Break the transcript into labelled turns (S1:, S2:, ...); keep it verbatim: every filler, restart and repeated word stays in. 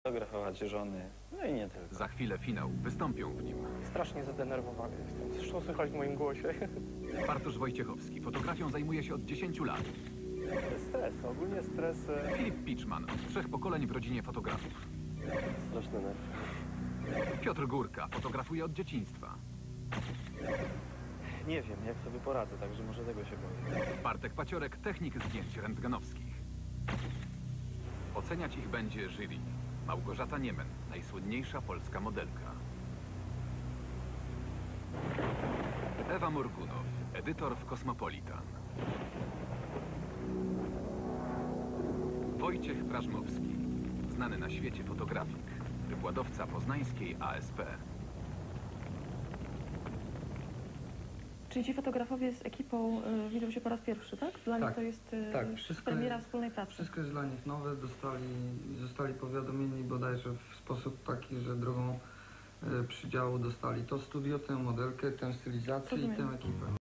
S1: fotografować żony, no i nie tylko.
S2: Za chwilę finał. Wystąpią w nim
S3: Strasznie zadenerwowany jestem. Zresztą słychać w moim głosie.
S2: Bartosz Wojciechowski. Fotografią zajmuje się od dziesięciu lat.
S3: Stres, ogólnie stres. e,
S2: Filip Piczman. Z trzech pokoleń w rodzinie fotografów.
S3: Straszny nerw.
S2: Piotr Górka. Fotografuje od dzieciństwa.
S1: Nie wiem, jak sobie poradzę, także może tego się boję.
S2: Bartek Paciorek. Technik zdjęć rentgenowskich. Oceniać ich będzie jury. Małgorzata Niemen. Najsłynniejsza polska modelka. Ewa Morgunow. Edytor w Kosmopolitan. Wojciech Prażmowski. Znany na świecie fotografik. Wykładowca poznańskiej A S P.
S4: Czyli ci fotografowie z ekipą y, widzą się po raz pierwszy, tak? Dla
S5: Tak,
S4: nich to jest y,
S5: tak, wszystko
S4: premiera
S5: jest-
S4: wspólnej pracy.
S5: Wszystko jest dla nich nowe, dostali, zostali powiadomieni bodajże w sposób taki, że drogą e, przydziału dostali to studio, tę modelkę, tę stylizację i
S4: Rozumiem.
S5: tę ekipę.